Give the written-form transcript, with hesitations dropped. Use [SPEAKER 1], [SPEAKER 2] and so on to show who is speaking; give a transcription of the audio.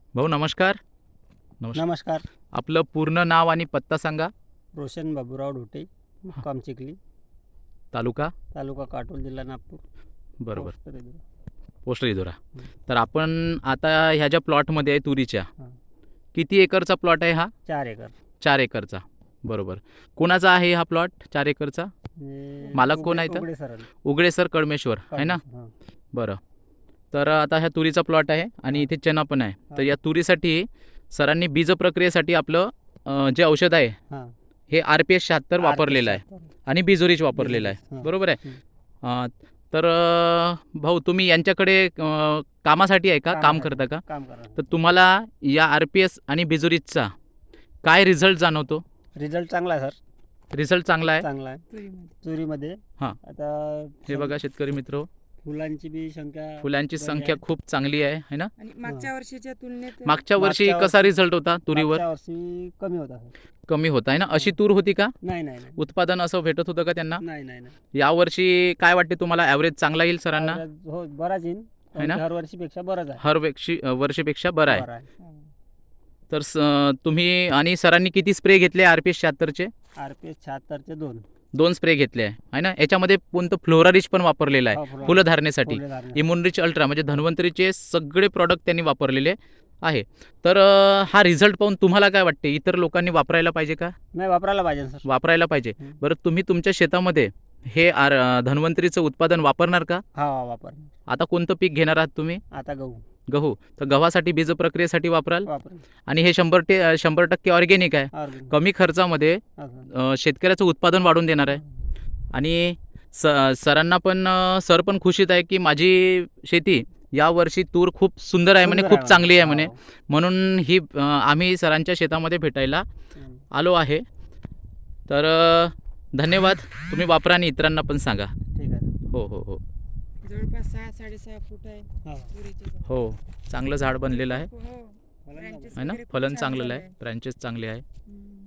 [SPEAKER 1] भाऊ नमस्कार.
[SPEAKER 2] नमस्कार.
[SPEAKER 1] आपलं पूर्ण नाव आणि पत्ता सांगा.
[SPEAKER 2] रोशन बाबूराव ढोटे, मुक्काम चिखली,
[SPEAKER 1] तालुका
[SPEAKER 2] तालुका काटोल, जिल्हा नागपूर.
[SPEAKER 1] बरोबर,
[SPEAKER 2] पोस्ट रेल्वे.
[SPEAKER 1] पोस्ट रिधोरा.
[SPEAKER 2] हं.
[SPEAKER 1] तर आपण आता ह्या ज्या प्लॉटमध्ये आहे तुरीच्या,
[SPEAKER 2] हां.
[SPEAKER 1] किती एकरचा प्लॉट आहे हा?
[SPEAKER 2] 4 एकर.
[SPEAKER 1] 4 एकरचा. बरोबर. कोणाचा आहे हा प्लॉट 4 एकरचा? मालक कोण आहे तर?
[SPEAKER 2] उघडे सर.
[SPEAKER 1] उघडे सर कळमेश्वर आहे ना? बरं. तर आता ह्या तुरीचा प्लॉट आहे आणि
[SPEAKER 2] हां.
[SPEAKER 1] इथे चना पण आहे. तर
[SPEAKER 2] हां.
[SPEAKER 1] या तुरीसाठी सरांनी बीज प्रक्रियेसाठी आपलं जे औषध आहे
[SPEAKER 2] हां.
[SPEAKER 1] हे RPS 76 वापरलेलं आहे आणि बिजोरीच वापरलेलं आहे.
[SPEAKER 2] हां.
[SPEAKER 1] बरोबर आहे. तर भाऊ तुम्ही यांच्याकडे कामासाठी आहे का, काम करता का?
[SPEAKER 2] काम करा.
[SPEAKER 1] तर तुम्हाला या RPS आणि बिजोरीचा काय रिझल्ट जाणवतो?
[SPEAKER 2] रिझल्ट चांगला आहे सर.
[SPEAKER 1] रिझल्ट चांगला आहे.
[SPEAKER 2] चांगला आहे. तुरीमध्ये
[SPEAKER 1] हां.
[SPEAKER 2] आता
[SPEAKER 1] हे बघा शेतकरी मित्र,
[SPEAKER 2] फुलांची बी संख्या
[SPEAKER 1] फुलांची
[SPEAKER 2] बरी
[SPEAKER 1] संख्या
[SPEAKER 2] आहे.
[SPEAKER 1] खूप चांगली आहे है ना?
[SPEAKER 3] आणि मागच्या वर्षीच्या तुलनेत
[SPEAKER 1] मागच्या वर्षी
[SPEAKER 2] मागच्या
[SPEAKER 1] कसा
[SPEAKER 2] वर्षी-
[SPEAKER 1] रिझल्ट होता तुरीवर?
[SPEAKER 2] मागच्या वर्षी कमी होता सर.
[SPEAKER 1] कमी होता आहे ना? अशी तूर होती का?
[SPEAKER 2] नाही नाही नाही
[SPEAKER 1] उत्पादन असं भेटत होतं का त्यांना?
[SPEAKER 2] नाही नाही नाही.
[SPEAKER 1] यावर्षी काय वाटते तुम्हाला, ॲव्हरेज चांगला येईल सरांना?
[SPEAKER 2] हो बराच येईल.
[SPEAKER 1] है ना?
[SPEAKER 2] हर वर्षीपेक्षा बराच आहे.
[SPEAKER 1] हर वर्षीपेक्षा बरं आहे.
[SPEAKER 2] बरं आहे.
[SPEAKER 1] तर तुम्ही आणि सरांनी किती स्प्रे घेतले RPS 76चे?
[SPEAKER 2] RPS 76चे 2.
[SPEAKER 1] 2 स्प्रे घेतले आहे ना? याच्यामध्ये कोणतं फ्लोरारिच पण वापरलेलं आहे फुलं धारणेसाठी. इम्युनरिच अल्ट्रा म्हणजे धन्वंतरीचे सगळे प्रॉडक्ट त्यांनी वापरलेले आहे. तर हा रिझल्ट पाहून तुम्हाला काय वाटते, इतर लोकांनी वापरायला पाहिजे का?
[SPEAKER 2] नाही वापरायला पाहिजे सर.
[SPEAKER 1] वापरायला पाहिजे.
[SPEAKER 2] हं.
[SPEAKER 1] बरं, तुम्ही तुमच्या शेतामध्ये हे धन्वंतरीचं उत्पादन वापरणार का?
[SPEAKER 2] हा वापर.
[SPEAKER 1] आता कोणतं पीक घेणार आहात तुम्ही?
[SPEAKER 2] आता गहू
[SPEAKER 1] गहू. तर गव्हासाठी बीज प्रक्रियेसाठी वापराल
[SPEAKER 2] वापर.
[SPEAKER 1] आणि हे 100% ऑर्गॅनिक आहे.
[SPEAKER 2] ऑर्गेनिक.
[SPEAKER 1] कमी खर्चामध्ये
[SPEAKER 2] असं.
[SPEAKER 1] शेतकऱ्याचं उत्पादन वाढून देणार आहे. आणि सरांना पण सर पण खुशीत आहे की माझी शेती यावर्षी तूर खूप सुंदर आहे म्हणे,
[SPEAKER 2] सुंदर
[SPEAKER 1] खूप चांगली आहे म्हणे.
[SPEAKER 2] हो.
[SPEAKER 1] म्हणून ही आम्ही सरांच्या शेतामध्ये भेटायला
[SPEAKER 2] हं.
[SPEAKER 1] आलो आहे. तर धन्यवाद. तुम्ही वापरा आणि इतरांना पण सांगा.
[SPEAKER 2] ठीक आहे.
[SPEAKER 1] हो हो हो
[SPEAKER 3] जवळपास 6-6.5 फूट आहे
[SPEAKER 2] हा.
[SPEAKER 3] तुरीचे झाड.
[SPEAKER 1] हो, चांगलं झाड बनलेलं आहे
[SPEAKER 3] हो.
[SPEAKER 2] फलन
[SPEAKER 3] branches
[SPEAKER 1] है ना?
[SPEAKER 3] वगैरे खूप
[SPEAKER 1] फलन
[SPEAKER 3] छान
[SPEAKER 1] चांगलेलं
[SPEAKER 3] झालंय.
[SPEAKER 1] आहे, ब्रँचेस चांगले आहे.
[SPEAKER 3] हम्म.